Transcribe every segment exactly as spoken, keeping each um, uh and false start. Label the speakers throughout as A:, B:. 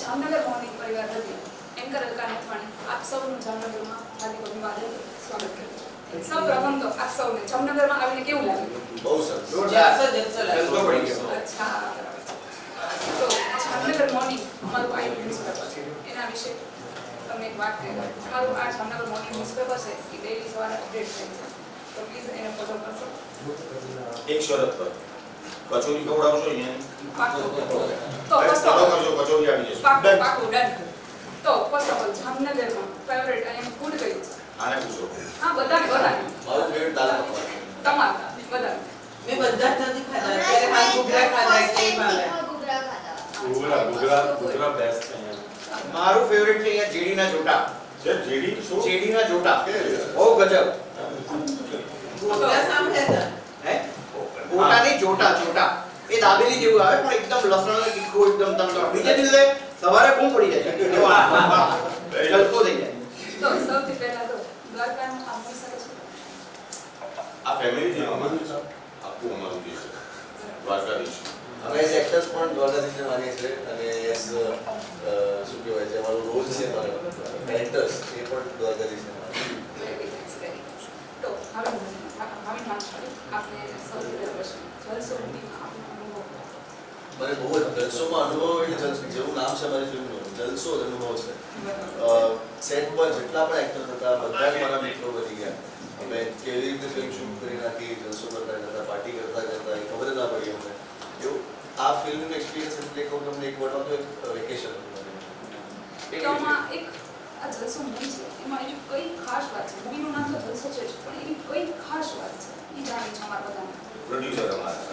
A: Jamnagar morning પરિવાર હતી anchor Alka Nathwani આપ સૌનું જામનગરમાં હાર્દિક અભિવાદન સ્વાગત કરું છું। સૌપ્રથમ તો આપ સૌને જામનગરમાં આવીને કેવું લાગ્યું?
B: બહુ સરસ
C: જલસો જલસો
B: જલસો પડી ગયો।
A: અચ્છા તો જામનગર મોર્નિંગ અમારું આ ન્યૂઝપેપર છે એના વિશે તમને એક વાત કહી દઉં। અમારું આ જામનગર મોર્નિંગ ન્યૂઝપેપર છે એ ડેઈલી સવારે અપડેટ થાય છે તો પ્લીઝ એને ફોલો કરશો।
B: એક શરત પર કચોરી ખવડાવશો અહીંયા
A: પાકું તો
B: ફોલો
A: ફર્સ્ટ ઓફ
B: કરજો કચોરી આવી જશે
A: પાકું પાકું ડન। તો ફર્સ્ટ ઓફ ઓલ જામનગરમાં ફેવરેટ અહીંયા ફૂડ કયું છે?
B: આને પૂછો
A: હા બધાને બધાને
B: મારું ફેવરેટ દાલ પકવાન
A: તમારા બધાને
C: મેં બધા જ નથી ખાધા અત્યારે હાલ ઘૂઘરા ખાધા કે ભાવે
D: ઘૂઘરા ઘૂઘરા ઘૂઘરા બેસ્ટ છે અહીંયા।
B: મારું ફેવરેટ છે અહીંયા જેડીના જોટા
D: છે જેડી શું
B: જેડીના જોટા બહુ ગજબ
C: ઘૂઘરા સાંભળ્યા
B: હે ગોટાની જોટા જોટા એ દાબેલી જેવું આવે પણ એકદમ લસણ અને તીખું એકદમ તમતમ બીજે દિવસે સવારે બૂમ પડી જાય વાહ વાહ જલસો થઈ જાય।
A: તો સૌથી પહેલા તો દ્વારકાનું આ મસાલો છે
B: આ ફેમિલી જેવું અમારું છે આખું અમારું દેશ છે દ્વારકાધીશ
E: અમે એઝ એક્ટર્સ પણ દ્વારકાધીશને માનીએ છીએ અને એઝ શું કહેવાય છે અમારો રોલ છે અમારો કેરેક્ટર્સ એ પણ દ્વારકાધીશને માનીએ છીએ।
A: Very nice very nice. તો હવે હવે વાત કરીએ આપણે સૌથી પહેલા પ્રશ્ન જલસો મૂવીમાં આપનો અનુભવ
E: મને બહુ જ જલસોમાં અનુભવ એટલે જલસો જેવું નામ છે અમારી ફિલ્મનું જલસો જ અનુભવ છે। સેટ પર જેટલા પણ એક્ટર હતા બધા જ મારા મિત્રો બની ગયા। અમે કેવી રીતે ફિલ્મ શૂટ કરી નાખી જલસો કરતા કરતા પાર્ટી કરતા કરતા એ ખબર જ ના પડી અમને એવું આ ફિલ્મનું એક્સપિરિયન્સ એટલે કહું તમને એક વોટ તો એક વેકેશન હતું
A: તો આમાં એક આ જલસો મૂવી છે એમાં એની કઈ ખાસ વાત છે? મૂવીનું નામ તો જલસો છે જ, પણ એની કઈ ખાસ વાત છે એ જાણવી છે અમારા બધાને।
B: પ્રોડ્યુસર અમારા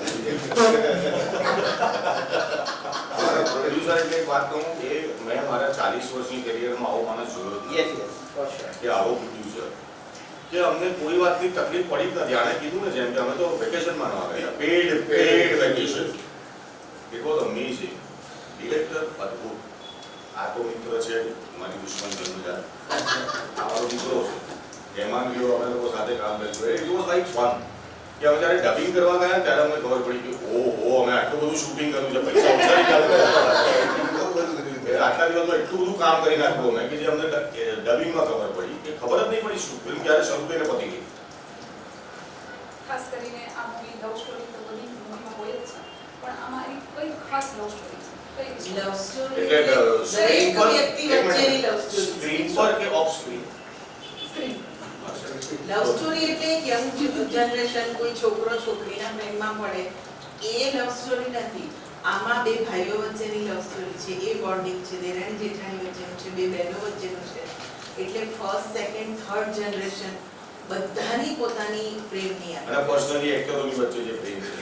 B: પ્રોડ્યુસર એટલે એક વાત કહું કે મેં મારા ચાલીસ વર્ષની કેરિયરમાં આવો માણસ જોયો નથી
C: યસ યસ ફોર શ્યોર
B: કે આવો પ્રોડ્યુસર કે અમને કોઈ વાતની તકલીફ પડી જ નથી। આણે કીધું ને જેમ કે અમે તો વેકેશનમાં ન આવ્યા paid paid vacation it was amazing director અદ્ભુત આ તો મિત્ર છે મારી દુશ્મન જન્મજાત આ મારો મિત્રો છે હેમાંગ ગયો અમે લોકો સાથે કામ કર્યું ઇટ વોઝ લાઈક ફન કે અમે જ્યારે ડબિંગ કરવા ગયા ત્યારે અમને ખબર પડી કે ઓહો અમે આટલું બધું શૂટિંગ કર્યું છે પૈસા ઓછા નીકળ્યા આટલા દિવસમાં એટલું બધું કામ કરી નાખ્યું અમે કે જે અમને ડબિંગમાં ખબર પડી કે ખબર જ નહીં પડી શું ફિલ્મ ક્યારે શરૂ થઈને પતી ગઈ।
A: ખાસ કરીને આ મૂવી લવ સ્ટોરી તો બધી મૂવીમાં હોય જ છે, પણ આમાં એની કઈ ખાસ લવ સ્ટોરી છે? કઈ
C: લવ સ્ટોરી
B: એટલે
C: દરેક વ્યક્તિ વચ્ચેની લવ સ્ટોરી
B: સ્ક્રીન પર કે off screen
A: screen
C: love story એટલે યંગ જનરેશન કોઈ છોકરો છોકરીના પ્રેમમાં પડે એ લવ સ્ટોરી નથી। આમાં બે ભાઈઓ વચ્ચેની લવ સ્ટોરી છે, એ બોન્ડિંગ છે, દેરાણી જેઠાણી વચ્ચેનું છે, બે બહેનો વચ્ચેનું છે, એટલે ફર્સ્ટ સેકન્ડ થર્ડ જનરેશન બધાની પોતાની પ્રેમની યાદ
B: અને પર્સનલી એક્ટરોની વચ્ચે જે પ્રેમ છે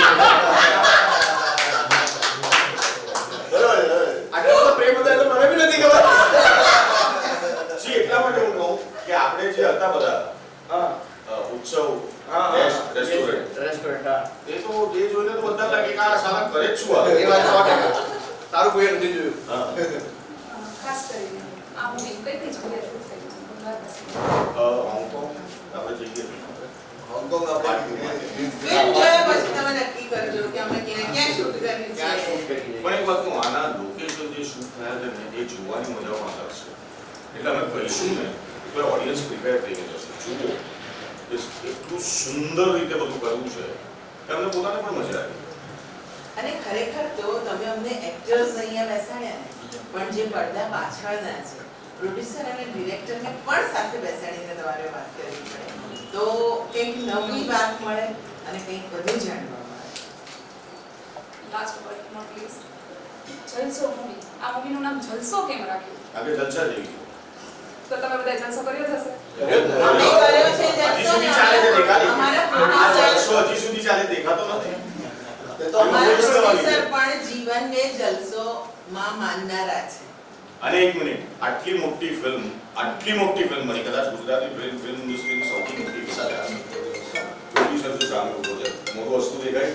B: બરાબર આટલો તો પ્રેમ હતો એટલે મને બી નથી ખબર સી એટલા માટે હું કહું કે આપણે જે હતા બધા હા ઉત્સવ રેસ્ટોરન્ટ
E: રેસ્ટોરન્ટ
B: એ તો જે જોઈને તો બધા લાગે કે આ સાલા કરે જ શું આ
E: એ વાત સો ટકા તારું કોઈ નથી જોયું
B: હા
A: ખાસ કરીને આ મૂવી કઈ કઈ જગ્યાએ શૂટ થઈ છે?
B: હોંગકોંગ આપણે જઈએ
E: હોંગકોંગ આ પાર્ટી
C: ફિલ્મ જોયા પછી તમે નક્કી કરજો કે અમે ક્યાં ક્યાં શૂટ કરવી
E: ક્યાં
C: છે।
E: શૂટ કરી
B: પણ એક વાત કહું આના લોકેશન જે શૂટ થયા છે ને એ જોવાની મજામાં આવશે એટલે અમે કહીશું ને એટલે ઓડિયન્સ પ્રિપેર થઈને જશે જુઓ એટલું સુંદર રીતે બધું કરવું છે કે અમને પોતાને પણ મજા આવી।
C: અને ખરેખર તો તમે અમને એક્ટર્સ અહીંયા બેસાડ્યા ને પણ જે પડદા પાછળના છે પ્રોડ્યુસર અને ડિરેક્ટરને પણ સાથે બેસાડીને તમારે વાત કરવી પડે તો કંઈક નવી વાત મળે અને કંઈક બધું જાણવા મળે।
A: Last but not least Jalso movie આ મૂવીનું નામ જલસો કેમ રાખ્યું?
B: આગળ જલસા જેવી
A: તો તમે બધા જલસો કર્યો જ હશે?
C: અમે કર્યો છે
B: હજી
C: જલસો
B: સુધી
C: ને
B: ચાલે છે દેખાડી
C: અમારા
B: આ
C: પ્રોડ્યુસર
B: જલસો હજી સુધી ચાલે દેખાતો નથી
E: તો
C: અમારા પ્રોડ્યુસર પણ જીવનને જલસોમાં માનનારા છે।
B: અને એક મિનિટ આટલી મોટી ફિલ્મ આટલી મોટી ફિલ્મ બની કદાચ ગુજરાતી ફિલ્મ ફિલ્મ ઇન્ડસ્ટ્રીની સૌથી મોટી ફિલ્મ પ્રોડ્યુસર જો સામે ઉભો છે મોટો વસ્તુ દેખાય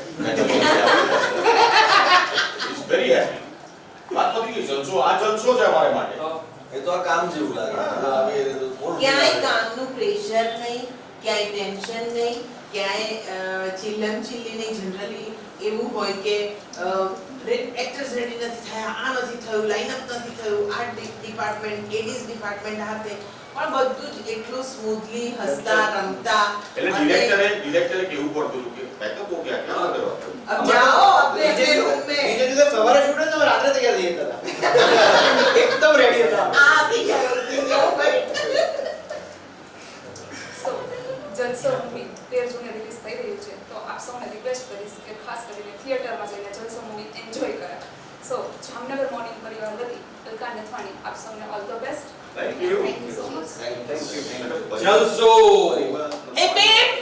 B: ઇટ્સ વેરી હેપી વાત પતી ગઈ જલસો આ જલસો છે અમારે માટે
E: એ તો આ કામ જેવું લાગે આવે એ તો થોડું
C: ક્યાંય કામનું પ્રેશર નહીં, ક્યાંય ટેન્શન નહીં, ક્યાંય ચિલ્લમ ચિલ્લી નહીં। જનરલી એવું હોય કે એક્ટર્સ રેડી નથી થયા, આ નથી થયું, લાઇનઅપ નથી થયું, આર્ટ ડિપાર્ટમેન્ટ, એડીઝ ડિપાર્ટમેન્ટ હાથે પણ બધું જ એટલું સ્મૂથલી હસતા રમતા
B: એટલે ડિરેક્ટરે ડિરેક્ટરે કેવું પડતું હતું કે બેકઅપ હો ગયા ક્યાં કરવા
C: अब जाओ अपने अपने रूम में
F: બીજે દિવસે સવારે શૂટ તો રાત્રે તૈયાર થઈ જતા હતા એકદમ રેડી હતા
C: આ થઈ ગયો થઈ ગયો ભાઈ
A: સો જલસો મૂવી તેર જૂને રિલીઝ થઈ રહ્યું છે તો આપ સૌને રિક્વેસ્ટ કરીશ કે ખાસ કરીને થિયેટરમાં જઈને જલસો મૂવી એન્જોય કરે. સો જામનગર મોર્નિંગ પરિવાર વતી અલકા નથવાણી આપ સૌને all the best.
B: Thank you
A: thank you so much.
E: Thank you thank you
D: Jalso
C: એ બે